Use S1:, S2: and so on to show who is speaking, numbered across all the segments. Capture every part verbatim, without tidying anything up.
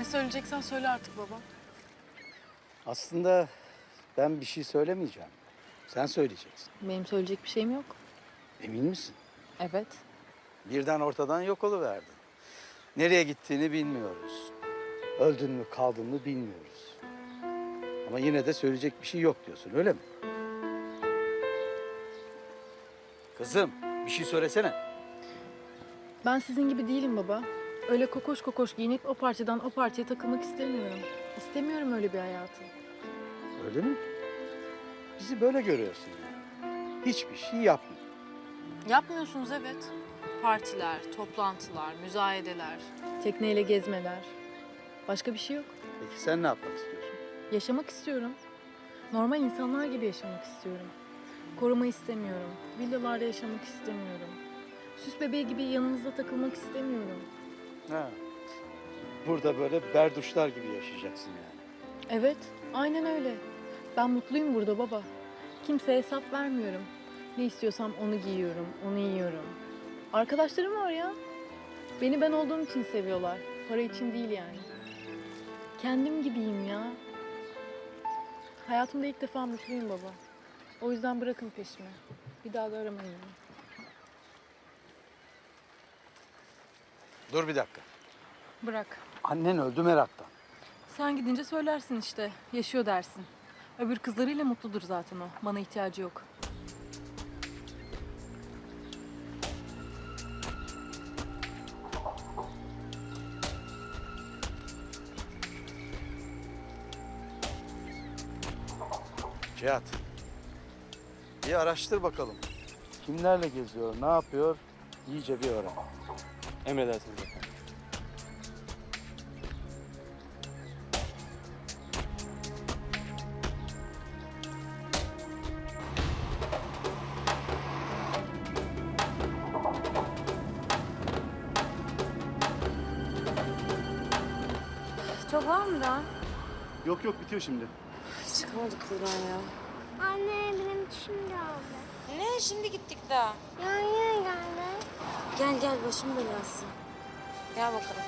S1: Ne söyleyeceksen söyle artık baba.
S2: Aslında ben bir şey söylemeyeceğim. Sen söyleyeceksin.
S1: Benim söyleyecek bir şeyim yok.
S2: Emin misin?
S1: Evet.
S2: Birden ortadan yok oluverdin. Nereye gittiğini bilmiyoruz. Öldün mü kaldın mı bilmiyoruz. Ama yine de söyleyecek bir şey yok diyorsun, öyle mi? Kızım, bir şey söylesene.
S1: Ben sizin gibi değilim baba. Öyle kokoş kokoş giyinip o partiden o partiye takılmak istemiyorum. İstemiyorum öyle bir hayatı.
S2: Öyle mi? Bizi böyle görüyorsun yani. Hiçbir şey yapmıyor.
S1: Yapmıyorsunuz evet. Partiler, toplantılar, müzayedeler, tekneyle gezmeler. Başka bir şey yok.
S2: Peki sen ne yapmak istiyorsun?
S1: Yaşamak istiyorum. Normal insanlar gibi yaşamak istiyorum. Koruma istemiyorum. Villalarda yaşamak istemiyorum. Süs bebeği gibi yanınızda takılmak istemiyorum.
S2: Ha. Burada böyle berduşlar gibi yaşayacaksın yani.
S1: Evet, aynen öyle. Ben mutluyum burada baba. Kimseye hesap vermiyorum. Ne istiyorsam onu giyiyorum, onu yiyorum. Arkadaşlarım var ya. Beni ben olduğum için seviyorlar. Para için değil yani. Kendim gibiyim ya. Hayatımda ilk defa mutluyum baba. O yüzden bırakın peşimi. Bir daha da aramayın beni.
S2: Dur bir dakika.
S1: Bırak.
S2: Annen öldü meraktan.
S1: Sen gidince söylersin işte. Yaşıyor dersin. Öbür kızlarıyla mutludur zaten o. Bana ihtiyacı yok.
S2: Cihat. Bir araştır bakalım. Kimlerle geziyor, ne yapıyor? İyice bir öğren.
S3: Emredersiniz efendim.
S4: Çok var mı daha?
S3: Yok yok bitiyor şimdi.
S4: Çıkamadık buradan ya.
S5: Anne benim dişim geldi.
S4: Ne? Şimdi gittik daha.
S5: Ya yine geldi.
S4: Gel gel başım belası. Gel bakalım.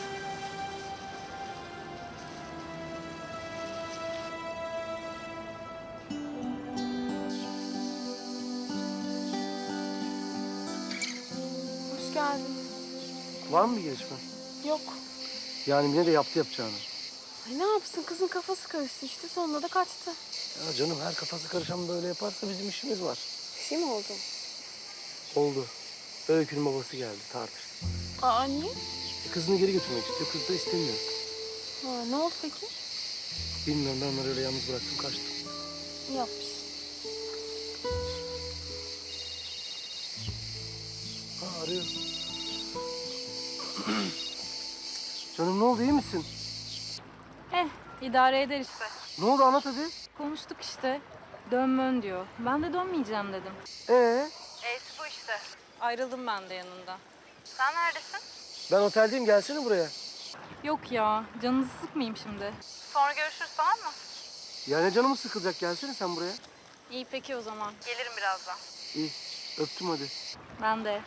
S4: Hoş geldin.
S3: Var mı bir gelişme?
S4: Yok.
S3: Yani Mine de yaptı yapacağını.
S4: Ay ne yapsın? Kızın kafası karıştı işte. Sonunda da kaçtı.
S3: Ya canım her kafası karışan böyle yaparsa bizim işimiz var.
S4: Bir şey mi oldu?
S3: Oldu. Öykü'nün babası geldi tartıştı.
S4: Aa niye?
S3: E, kızını geri götürmek istiyor. Kız da istemiyor.
S4: Ha, ne oldu peki?
S3: Bilmiyorum ben onları öyle yalnız bıraktım kaçtım.
S4: İyi yapmışsın.
S3: Ha arıyor. Canım ne oldu iyi misin?
S1: Eh, idare eder işte.
S3: Ne oldu anlat hadi.
S1: Konuştuk işte. Dönmön diyor. Ben de dönmeyeceğim dedim.
S3: Ee?
S1: E'si bu işte. Ayrıldım ben de yanında. Sen neredesin?
S3: Ben oteldeyim gelsene buraya.
S1: Yok ya, canınızı sıkmayayım şimdi. Sonra görüşürüz tamam mı?
S3: Yani canımız sıkılacak gelsene sen buraya.
S1: İyi peki o zaman. Gelirim birazdan.
S3: İyi öptüm hadi.
S1: Ben de.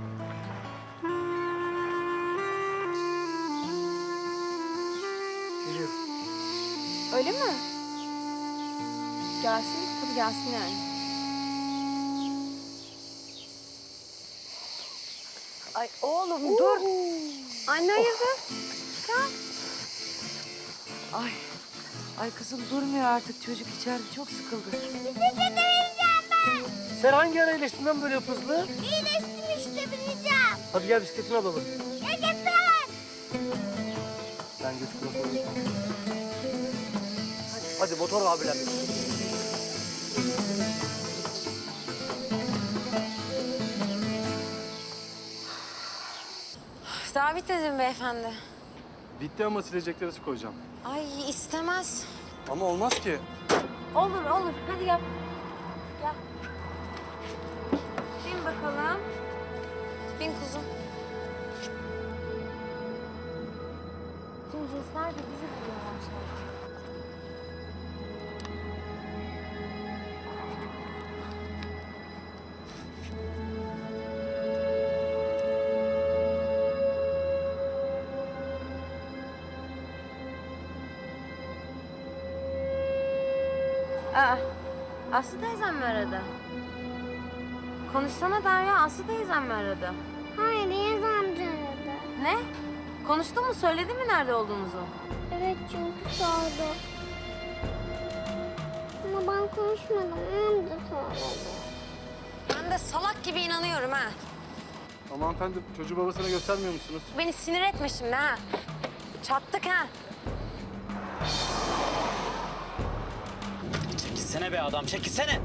S3: Geliyor.
S4: Öyle mi? Gelsin. Tabii gelsin yani. Ay oğlum dur.
S5: Anne hayırdır?
S6: Ay, ay kızım durmuyor artık çocuk içeride çok sıkıldı.
S3: Sen hangi ara iyileştin lan böyle hızlı?
S5: İyileştim işte bineceğim.
S3: Hadi gel bisikletini alalım.
S5: Yaşasın.
S3: Ben geç kulak Hadi motor abiler.
S4: Daha bitmedi beyefendi?
S3: Bitti ama silecekleri su koyacağım.
S4: Ay istemez.
S3: Ama olmaz ki.
S4: Olur olur. Hadi gel. Gel. Bin bakalım. Bin kuzum. Şimdi cinsler de bizi buluyorlar sanki.
S7: Aa, Aslı teyzem mi aradı? Konuşsana Derya, Aslı teyzem mi aradı?
S5: Hayır, Yaz amca aradı.
S7: Ne? Konuştun mu, söyledi mi nerede olduğumuzu?
S5: Evet, çünkü sordu. Ama ben konuşmadım, amca söyledi.
S7: Ben de salak gibi inanıyorum ha.
S8: Ama hanımefendi çocuğu babasına göstermiyor musunuz?
S7: Beni sinir etme şimdi ha. Çattık ha.
S9: Çekilsene be adam, çekilsene.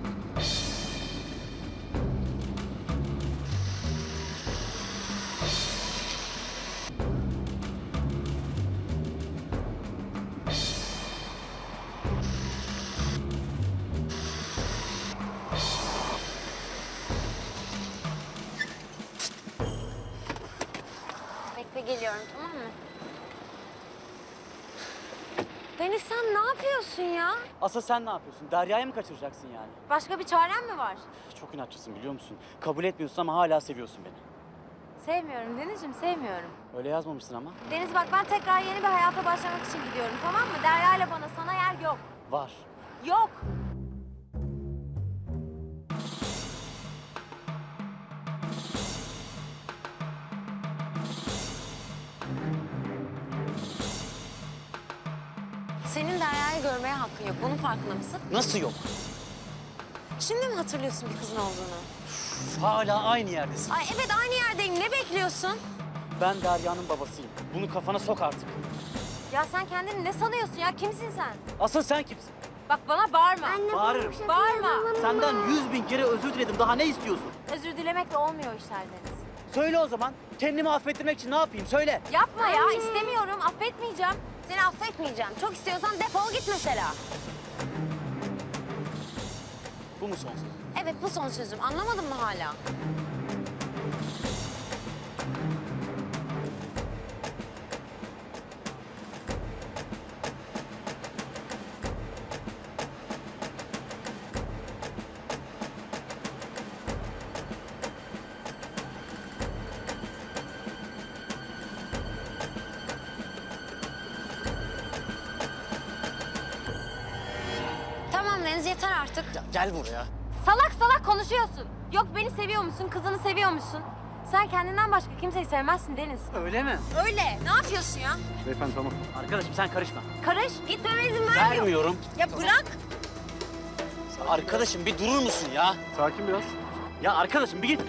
S7: Bekle geliyorum, tamam mı? Deniz sen ne yapıyorsun ya?
S9: Asıl sen ne yapıyorsun? Derya'yı mı kaçıracaksın yani?
S7: Başka bir çaren mi var?
S9: Çok inatçısın biliyor musun? Kabul etmiyorsun ama hala seviyorsun beni.
S7: Sevmiyorum Deniz'ciğim, sevmiyorum.
S9: Öyle yazmamışsın ama.
S7: Deniz bak ben tekrar yeni bir hayata başlamak için gidiyorum, tamam mı? Derya ile bana, sana yer yok.
S9: Var.
S7: Yok. Senin Derya'yı görmeye hakkın yok. Bunun farkında mısın?
S9: Nasıl yok?
S7: Şimdi mi hatırlıyorsun bir kızın olduğunu?
S9: Üf, hala aynı yerdesin.
S7: Ay evet aynı yerdeyim. Ne bekliyorsun?
S9: Ben Derya'nın babasıyım. Bunu kafana sok artık.
S7: Ya sen kendini ne sanıyorsun ya? Kimsin sen?
S9: Asıl sen kimsin?
S7: Bak bana bağırma.
S5: Anne,
S9: Bağırırım.
S5: bana bir şey
S7: Bağırma.
S5: söyleme.
S9: Senden yüz bin kere özür diledim. Daha ne istiyorsun?
S7: Özür dilemekle olmuyor işler Deniz.
S9: Söyle o zaman. Kendimi affettirmek için ne yapayım? Söyle.
S7: Yapma ya. istemiyorum. Affetmeyeceğim. Seni affetmeyeceğim. Çok istiyorsan defol git mesela.
S9: Bu mu son söz?
S7: Evet bu son sözüm. Anlamadın mı hala? Tamam Deniz yeter artık.
S9: Ya gel buraya.
S7: Salak salak konuşuyorsun. Yok beni seviyor musun? Kızını seviyor musun? Sen kendinden başka kimseyi sevmezsin Deniz.
S9: Öyle mi?
S7: Öyle. Ne yapıyorsun ya?
S8: Beyefendi tamam.
S9: Arkadaşım sen karışma.
S7: Karış. Gitmeme izin vermiyor.
S9: Vermiyorum.
S7: Ya bırak.
S9: Arkadaşım bir durur musun ya?
S8: Sakin biraz.
S9: Ya arkadaşım bir git.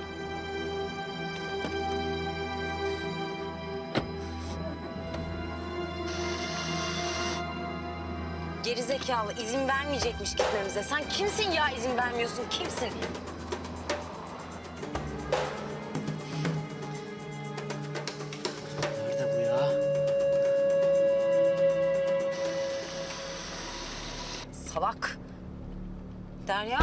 S7: Gerizekalı izin vermeyecekmiş gitmemize. Sen kimsin ya izin vermiyorsun? Kimsin?
S9: Nerede bu ya?
S7: Salak. Derya.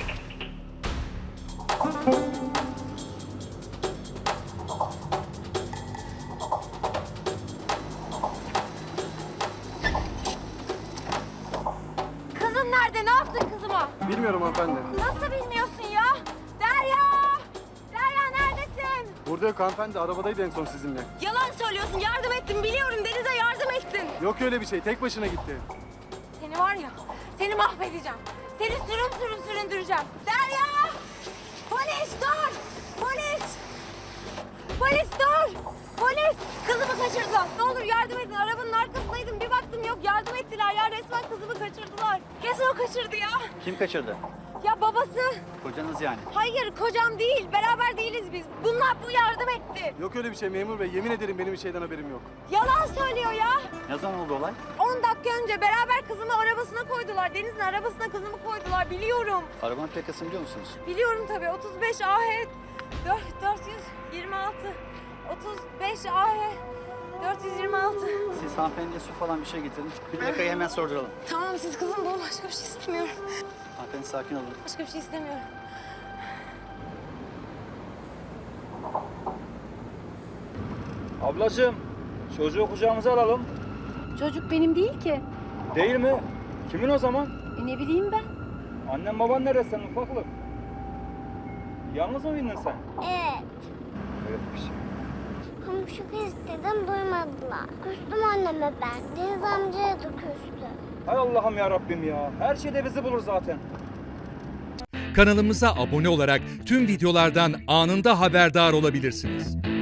S7: Kızın nerede? Ne yaptın kızıma?
S8: Bilmiyorum hanımefendi.
S7: Nasıl bilmiyorsun ya? Derya! Derya neredesin?
S8: Burada yok hanımefendi. Arabadaydı en son sizinle.
S7: Yalan söylüyorsun. Yardım ettim. Biliyorum Deniz'e yardım ettin.
S8: Yok öyle bir şey. Tek başına gitti.
S7: Seni var ya, seni mahvedeceğim. Seni sürüm sürüm süründüreceğim. Derya! Polis dur! Polis! Polis dur! Polis! Kızımı kaçırdılar. Ne olur yardım edin. Arabanın arkasındaydım. Bir baktım yok yardım ettiler ya. Resmen kızımı kaçırdılar. Kesin o kaçırdı ya.
S9: Kim kaçırdı?
S7: Ya babası.
S9: Kocanız yani.
S7: Hayır kocam değil. Beraber değiliz biz. Bunlar bu yardım etti.
S8: Yok öyle bir şey memur bey. Yemin ederim benim bir şeyden haberim yok.
S7: Yalan söylüyor ya.
S9: Ne zaman oldu olay?
S7: on dakika önce beraber kızımı arabasına koydular. Deniz'in arabasına kızımı koydular. Biliyorum.
S9: Arabanın plakasını biliyor musunuz?
S7: Biliyorum tabii. otuz beş A H dört yüz yirmi altı. otuz beş A H dört yüz yirmi altı.
S9: Siz hanımefendiye su falan bir şey getirin. Bir plakayı hemen sorduralım.
S7: Tamam siz kızım bulun. Başka bir şey istemiyorum.
S9: Hanımefendi sakin olun.
S7: Başka bir şey istemiyorum.
S10: Ablacığım, çocuğu kucağımıza alalım.
S4: Çocuk benim değil ki.
S10: Değil mi? Kimin o zaman?
S4: E ne bileyim ben.
S10: Annen baban nerede senin ufaklık? Yalnız mı bindin sen?
S5: Evet.
S10: Evet bir şey.
S5: Ama komşu istedim duymadılar. Küstüm anneme ben. Deniz amcaya da küstü.
S10: Hay Allah'ım ya Rabbim ya. Her şey de bizi bulur zaten.
S11: Kanalımıza abone olarak tüm videolardan anında haberdar olabilirsiniz.